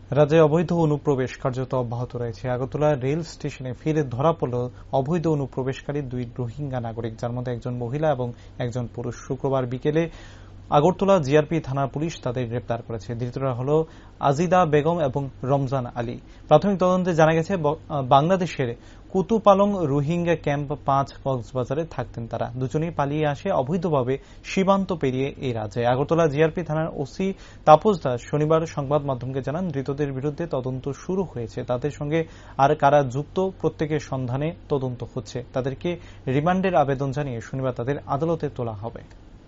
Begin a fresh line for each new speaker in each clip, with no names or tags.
রাজ্যে অবৈধ অনুপ্রবেশ কার্যত অব্যাহত রয়েছে। আগরতলা রেল স্টেশনে ফিরে ধরা পড়ল অবৈধ অনুপ্রবেশকারী দুই রোহিঙ্গা নাগরিক, যার মধ্যে একজন মহিলা এবং একজন পুরুষ। শুক্রবার বিকেলে আগরতলা জিআরপি থানার পুলিশ তাদের গ্রেপ্তার করেছে। ধৃতরা হল আজিদা বেগম এবং রমজান আলী। প্রাথমিক তদন্তে জানা গেছে বাংলাদেশের কুতুপালং রোহিঙ্গা ক্যাম্প 5 কক্সবাজারে থাকতেন তারা। দুজনেই পালিয়ে আসে অবৈধভাবে সীমান্ত পেরিয়ে এই রাজ্যে। আগরতলা জিআরপি থানার ওসি তাপস দাস শনিবার সংবাদ মাধ্যমকে জানান, ধৃতদের বিরুদ্ধে তদন্ত শুরু হয়েছে। তাদের সঙ্গে আর কারা যুক্ত প্রত্যেকের সন্ধানে তদন্ত হচ্ছে। তাদেরকে রিমান্ডের আবেদন জানিয়ে শনিবার তাদের আদালতে তোলা হবে।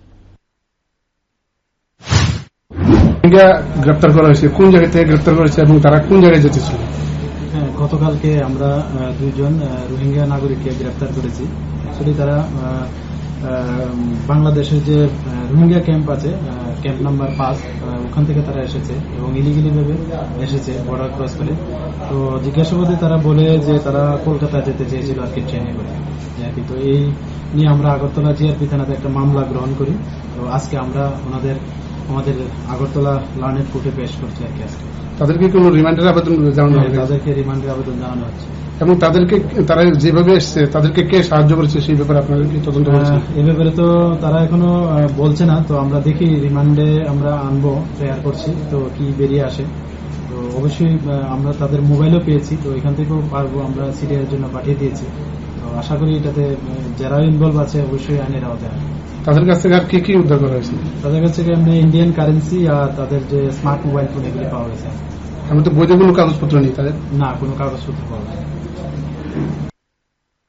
গ্রেপ্তার করা হয়েছে, কোন জায়গা থেকে গ্রেপ্তার করেছে এবং তারা কোন জায়গায় যেতেছিল?
গতকালকে আমরা দুইজন রোহিঙ্গা নাগরিককে গ্রেপ্তার করেছি। আসলে তারা বাংলাদেশের যে রোহিঙ্গা ক্যাম্প আছে, ক্যাম্প নাম্বার 5, ওখান থেকে তারা এসেছে এবং ইলিগালি ভাবে এসেছে বর্ডার ক্রস করে। তো জিজ্ঞাসাবাদে তারা বলে যে তারা কলকাতা যেতে চেয়েছিল আর কি, ট্রেনে করে। তো এই নিয়ে আমরা আগরতলা জিআরপি থানাতে একটা মামলা গ্রহণ করি। তো আজকে আমরা আমাদের আগরতলা লার্নেড কোর্টে পেশ করছি আর কি। আজকে
তাদেরকে কোন রিমান্ডের আবেদন জানানো হবে?
তাদেরকে রিমান্ডের আবেদন জানানো হচ্ছে।
এবং তারা যেভাবে এসছে তাদেরকে কে সাহায্য করেছে সেই ব্যাপারে আপনাদের কি তদন্ত হচ্ছে?
এই ব্যাপারে তো তারা এখনো বলছে না। তো আমরা দেখি, রিমান্ডে আমরা আনবো, প্রেয়ার করছি, তো কি বেরিয়ে আসে। তো অবশ্যই আমরা তাদের মোবাইলও পেয়েছি, তো এখান থেকেও পারবো, আমরা সিরিয়ার জন্য পাঠিয়ে দিয়েছি। তো আশা করি এটাতে যারা ইনভলভ আছে অবশ্যই আইনের আওতায় আসবে।
তাদের কাছ থেকে আর কি কি উদ্ধার করা হয়েছে?
তাদের কাছ থেকে এমনি ইন্ডিয়ান কারেন্সি আর তাদের যে স্মার্ট মোবাইল ফোন এগুলি পাওয়া গেছে।
আমি তো বৈধ কোনো কাগজপত্র নেই তাদের?
না, কোনো কাগজপত্র পাওয়া যায়।